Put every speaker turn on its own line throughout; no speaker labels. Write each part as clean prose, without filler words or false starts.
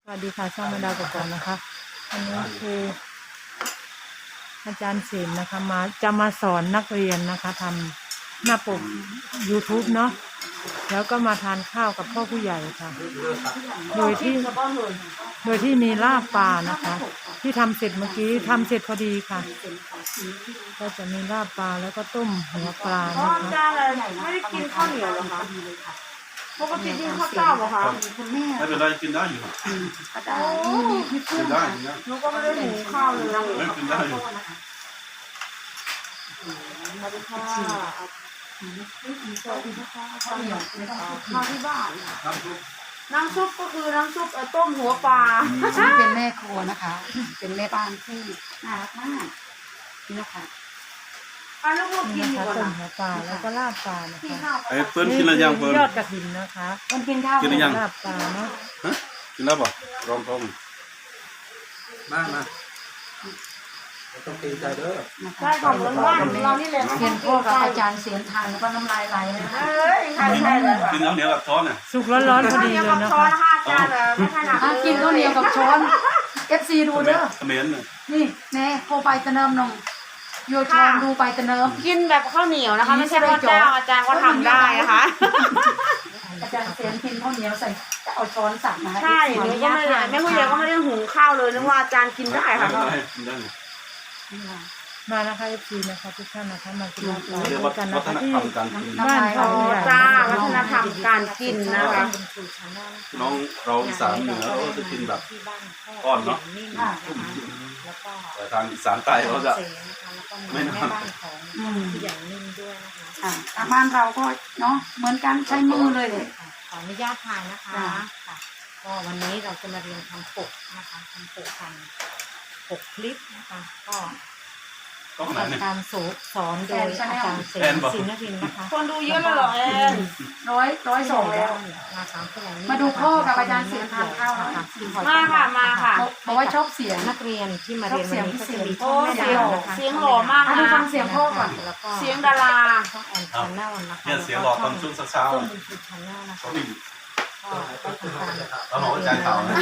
สวัสดีค่ะช่องแม่ดาวกบกนะคะอันนี้คืออาจารย์ศิลป์นะคะจะมาสอนนักเรียนนะคะทำหน้าปก YouTube เนาะแล้วก็มาทานข้าวกับพ่อผู้ใหญ่ค่ะโดยที่มีลาบปลานะคะ ที่ทำเสร็จเมื่อกี้ทำเสร็จพอดีค่ะก็จะมีลาบปลาแล้วก็ต้มหัวปลานะคะ
จ้าเลยไม่ได้กินข้าวเหนียวเหรอคะปกติกินข้าวเจ้าเหรอคะ
ไม่เป็นไรกินได้อยู่
โอ้
กินได้กินได้
หนูก็ไม่ได้หุงข้าวเลย
ไม่กินได้อยู่
สวัสดีค่ะสวัสดีนะคะข้าวเหนียวข้าวที่บ้านน้ำซุปก็คือน้ำซุปต้มหัวปลา
เป็นแม่ครัวนะคะ เป็นแม่บ้านที่น่ารักมากนี่นะคะ
ลูกๆกิ
นี่
น
นะ
อยู่
คะ
ก่อน
ต้ม
นะ
หัวปลาแล้วก็ลาบปลานะ
กิน
คะ
ข้าว
ไอ้เปิ้ลกินอะไรยังเปิ้ล
ยอดกระถินนะคะ
คนกินข้าว
กินหรือยัง
ลาบปลาเนาะ
ฮะกินแล้วป่ะรองท้องมามา
ต้องตีใจเด้อ
นะคะ
ใช่ของบ้านเรานี่แหละ
เรียนพ่อกับอาจารย์เสียงทางแล้วก็น้ำลายไหลเลยนะคะ
เอ้ยใช่ใช่เลย
กินแล้วเหนียวกับช้อนน่ะ
สุกร้อนๆพอดีเลยนะ
ช้อ
คะ
นนะคะอาจารย์ไม่ถนัด
กินข้าวเหนียวกับช้อน FC ดูเด้อ
เขมิ้นน่ะ
นี่แน่โคไปตะเนิมนงโยชอนดูไปตะเนิม
กินแบบข้าวเหนียวนะคะ ไม่ใช่ข้าวเจ้าอาจารย์ก็ทำได้นะคะ
อาจารย์เสียงกินข้าวเหนียวใส่จะเอาช้อนสั่งมา
ใช่หนูก็ไม่ได้แม่ผู้ใหญ่ก็ไม่ได้หุงข้าวเลยนึกว่าอาจารย์กินได้
ไม่
ค่ะ
เป็นไรกินได้
มานะคะ FC นะคะทุกท่านนะคะมากินลาบปลา
เรียก
ด้ว
ว่าย
กัน
วั
นะ
ฒ
คะ
น
ที่
ธรรมการกิน
บ้านพ่อผู้ใหญ่
จ้าวัฒนธรรมการกินนะคะ
น้องเราอีสานเหนือเราจะกินแบบก้อนเนาะแต่ทางอีสานใต้เขาจะไม่นาน
ทางบ้านเราก็เนาะเหมือนกันใช้มือเลยเลย
ขออนุญาตถ่ายนะคะค่ะก็วันนี้เราจะมาเรียนทำปกนะคะทำปกปกคลิปนะคะก็
ต้องไหนเนี่ย
การสอนโดยอาจารย์เส
แอนบอก
ศินรินทร์นะคะ
คนดูเยอะแล้วเหรอแอน
102แล้ว
มาสามคน
มาดูพ่อกับอาจารย์เสียงทานข้าวนะ
มาค่ะมาค่ะ
บอกว่าชอบเสียง
นักเรียนที่มาเรียนวันนี้ก็จะมี
โอ้
ช่องแม่
เสีย
ดาง วนะคะ
เสียงหล่อมาก
ดู
นะ
ฟังเสียงพ่อก่อน
แล้วก็
เสียงดารา
ช่องแอนชาแนลนะคะ
เนี่ยเสียงหลอดตอนช่วงเช้า
ต้น
ๆ
บุญชูชาแนลนะคะ
เขาไม่
ก็ได้ทำการ
เราบอกว่าใจเขานะ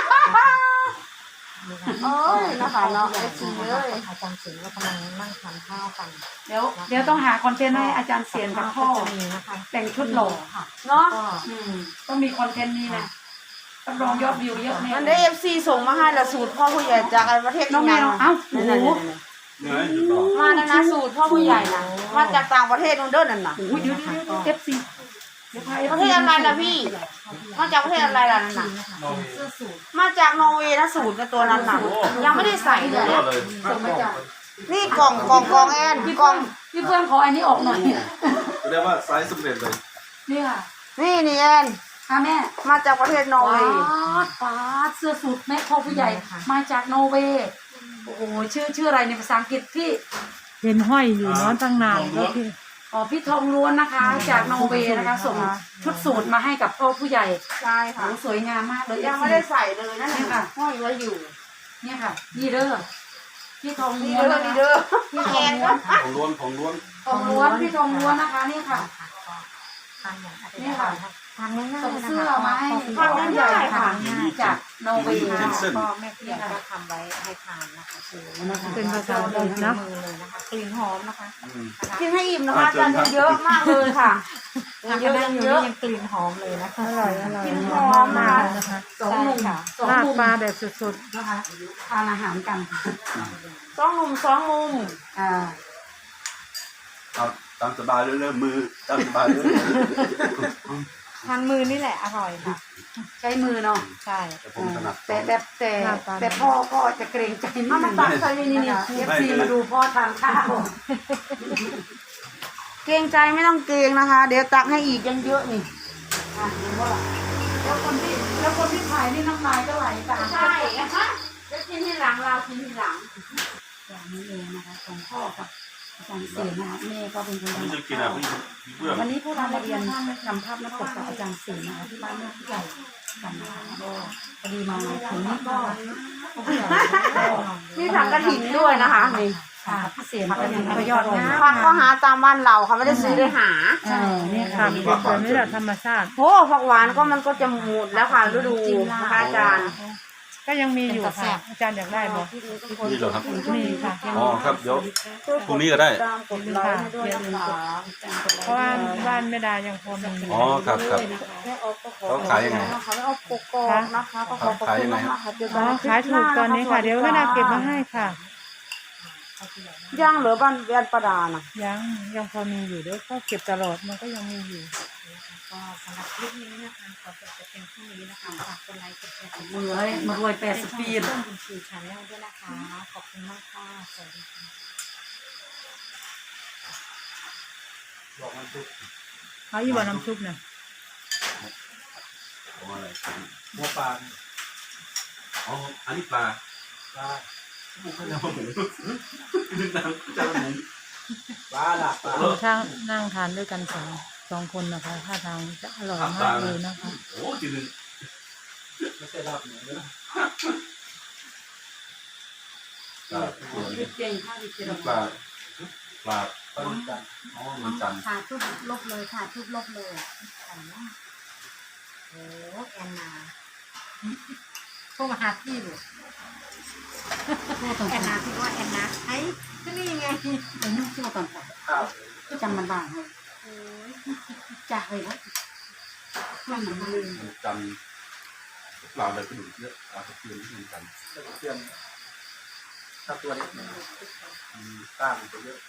โอ้ยนะคะเนาะไอ้สีเลย
อาจารย์ศิลป์ก็กำลังนั่งทานข้าวกัน
เดี๋ยวต้องหาคอนเทนต์ให้อาจารย์เสียงกับพ่อ
จะมีนะคะ
แต่งชุดหล่อ
ค่ะ
เนาะ
ก็
ต้องมีคอนเทนต์นี้นะต้องรองยอดวิวเยอะแน่
มันได้เอฟซีส่งมาให้ละสูตรพ่อผู้ใหญ่จากประเทศ
น้องแมวเอ้าโอ้โห
เหนื่อยหยุดต่อ
มาแล้วนะสูตรพ่อผู้ใหญ่นะมาจากต่างประเทศนู่นเด้อนั่นน่ะ
เดี๋ยวเอฟซีเดี๋ยวพา
ประเทศอะไรล่ะพี่มาจากประเทศอะไรล่ะนั่นน่ะ
เสื้อสูท
มาจากนอร์เวย์นะสูตรในตัวนั้นน่ะยังไม่ได้ใส่เลย
ยอดเลย
ส่งมาจาก
นี่กล่องแอนกล่อง
พี่เพื่อนขออันนี้ออกหน่อย
เรียกว่าไซส์สำเร็จเลย
นี่ค่ะ
นี่แอน
ค่ะแม่
มาจากประเทศนอร์เวย์
ป้าดเสื้อสูทแม่พ่อผู้ใหญ่มาจากนอร์เวย์โอ้โหชื่ออะไรในภาษาอังกฤษพี่
เห็นห้อยอยู่เนาะตั้งนานก็คือ
อ๋อพี่ทองล้วนนะคะ จากนอร์เวย์นะคะส่งชุดสูทมาให้กับพ่อผู้ใหญ่
ใช่
โอ้
ค่ะ
สวยงามมากเลย
ยังไม่ได้ใส่เลยนั่นน่ะห้อยไว้อยู่
เนี่ยค่ะนี่เด้อพี่ทอง
นี่
ล้วน
เด้อ
นะคะ
นี่เด้อ
พี่ท
แอ
อง
น
ล้วน
ของล้วนของล้วน
ทองล้วนพี่ทองล้วนนะคะนี่ค่ะ
ทานอย่าง
นี่ค่ะ
ทานง่ายๆ
ส่ง
นะคะ
เสื้อมาให้
ทานง่ายๆค่ะ
จากนอร์เวย์
ก็
นะคะ
แม่พี่ก็ทำไว้ให้ทานนะคะคือ
เป็นภาษาอังกฤษนะ
มือเลยนะคะกลิ่นหอมนะคะ
กินให้อิ่มนะคะอาจารย์เยอะมากเลยค่ะ
ทาน
เยอะ
ได้อยู่
เยอะ
นี่ยังกลิ่นหอมเลยนะคะ
อร่อย
กินห
ม
อม
มาม
าก ก
ๆนะคะ
สองหนุ่มสอง
ลาบ
หนุ่ม
ปลาแบบสุด
นะคะทานอาหารกัน
สองหนุ่มสองมุม
อ่า
เอาตามสบายเรื่อยๆมือตามสบายเรื่อย
ทานมือนี่แหละอร่อยค่ะ
ใช้มือเนาะ
ใช่
ๆแต่ผมถนัด
แต่พ่อก็จะเกรงใจนิด
เอา
นึ
มาง ตักใส่นี่
เอฟซีมาดูพ่อทานข้าว
เกรงใจไม่ต้องเกรงนะคะ เดี๋ยวตักให้อีกยังเยอะนี่
อ่ะเห็นว่าแล้วคนที่ถ่ายนี่น้ำลายก็ไหลตาม
ใช่นะคะจะกินที่หลังเรากินที่หลัง
อย่างนี้เองนะคะของพ่อกับอาจารย์เสียนะคะแม่ก็เป็นคน
ผม
ทำ
จะกินอ่ะพี่เพื่อน
วันนี้พวกเรามาเรียนทำภาพหน้าปกกับอาจารย์เสียนะคะที่บ้านแม่ผู้ใหญ่กันนะคะก็พอดีมาถึงนี่ก็ผู้ใหญ่
นี่ถังกระถิ่นด้วยนะคะนี่
ค่ะพิเศษก็ยังประยอดนะ
ผักก็หาตามบ้านเราค่ะไม่ได้ซื้อได้หา
นี่ค่ะเป็นนี่แหละธรรมชาติ
โอ้ผักหวานก็มันก็จะหมดแล้วค่ะฤดูนะคะอาจารย์
ก็ยังมีอยู่ค่ะอาจารย์อยากได้บ่
นี่เหรอครับ
มีค่ะยัง
อ๋อ
มี
ครับเดี๋ยวพรุ่งนี้ก็ได้
ตามกดไลค์ให้ด้วยนะคะ
เพราะว่าบ้านแม่ดายังพอมี
อ๋อครับครับ
แม่ออฟก็ขอ
เขาขายยังไง
นะคะแม่ออฟกกอกนะคะก็ขอขอบคุณมากค่ะเจอ
อ๋
กั
อน ขายถูกตอนนี้ค่ะ เดี๋ยวแม่ดาเก็บมาให้ค่ะ
ย่างเหลือบ้านประดาน่ะ
ยังพอมีอยู่เดี๋ยวก็เก็บตลอดมันก็ยังมีอยู่
ก็สำหรับคลิปนี้นะคะขอจบแต่เพียงเท่านี้นะคะฝากกดไลค์กดแชร์กด
มือให้มารวย80 ปี
ช่องบุญชูชาแนลด้วยนะคะ ขอบคุณมากค่ะสวัสดีค่ะ
บอกมันทุก
เขาอยู่บ่อน้ำซุปน่ะ
ของอะไร
หัวปลา
อ๋ออันนี้ปลา
ปลา
หมูก็จะหมูน้ำจะหมู
ปลาหลับปลา
ถ้านั่งทานด้วยกันสองคนนะคะท่าทางจะอร่อยมากเลยนะคะ
โอ้จีนึง
ไม่ใช่หลับหนูนะ
ปลาตัวนี้
เก่งค่ะดิเจริญ
ปลาปลา
ปลาหมึกจันทร์
อ๋อมันจันทร์
ถ่ายทุบลบเลยถ่ายทุบลบเลยแต่ว่าโอ้แอนนาโทรมาหาพี่ดูแอนนาพี่ว่าแอนนาไอ้ก็นี่ไง
เป็นนุ่งเสื้อก่อนค่ะ
ข้าว
จำมันบ้างเลยจ่าเลยนะมันลืม
มันจันทร์ปลาอะไรก็ดูเยอะปลาตะเพียนที่มันจันทร์
แล้วก็เตรียมถ้าตัวเล็กกล้ามตัวเยอะ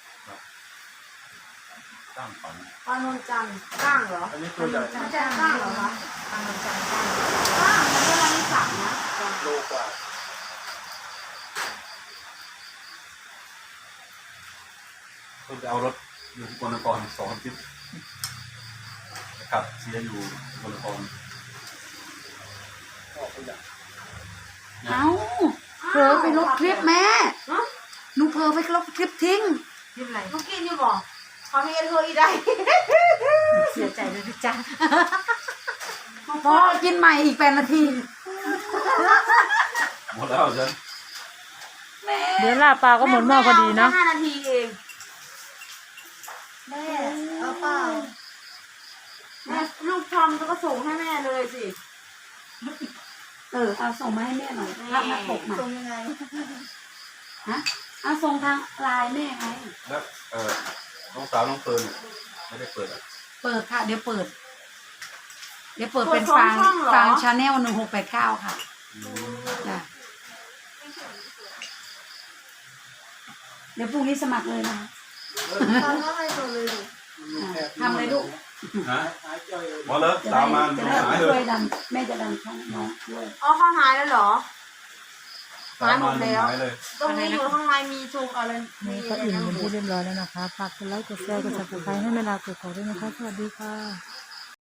ตั้งฝัน
ปลานนจันทร์ก้างเหรอ
อันนี้ตัวใหญ่
อาจารย์ก้างเหรอคะ
ทางมันจันทร์ได้
ก้างมันก็ร้านสั่งนะ
โลกว่า
เพิ่งไปเอารถอยู่ที่กนคร2 อาทิตย์นะครับเสียอยู่กนคร
ออกตัวใหญ่
เอ้าเผลอไปลบคลิปแม่หนูเผลอไปลบคลิปทิ้ง
ที่ไร
ลูกกินอยู่บ่เขามีเธออีได้
เสียใจเลยพี่จ้า
พอกินใหม่อีก8 นาที
หมดแล้วฉัน
เดี๋ยวลาบปลาก็หมดหม้อพอดีเนาะ
5 นาทีเองแม่เอาเปล่าแม่ลูกทอมก็ส่งให้แม่เลยสิ
เอาส่งมาให้แม่หน่อยภาพหน้าปกมา
ส่งยังไง
ฮะเอาส่งทางไลน์แม่ไง
แล้วน้องสาวน้องเฟิร์นเนี่ยไม่ได้เปิดอ่ะ
เปิดค่ะ เดี๋ยวเปิดเป็นฟางชาแนล1689ค่ะจ้ะเดี๋ยวพรุ่งนี้สมัครเลยนะ
ทำอะไรตัวเลยดู
ทำเลยลูก
ฮะ
หายจ่อยเลย
หมดแล้ว
จะ
ตา
ได้
มมา
จะ
หาย
ได้
เล
ช่วย ยดันแม่จะดันช่องน้องด้วย
อ๋อเขาหายแล้วเหรอ
ตามมาหายเลย
ตรงนี้อยู่ข้างในมีชงอะไรมี
นี่ก็อิ่มเป็นที่เรียบร้อยแล้วนะคะฝากกดไลค์กดแชร์กดซับสไครต์ให้แม่ดาเกิดขอด้วยนะคะสวัสดีค่ะ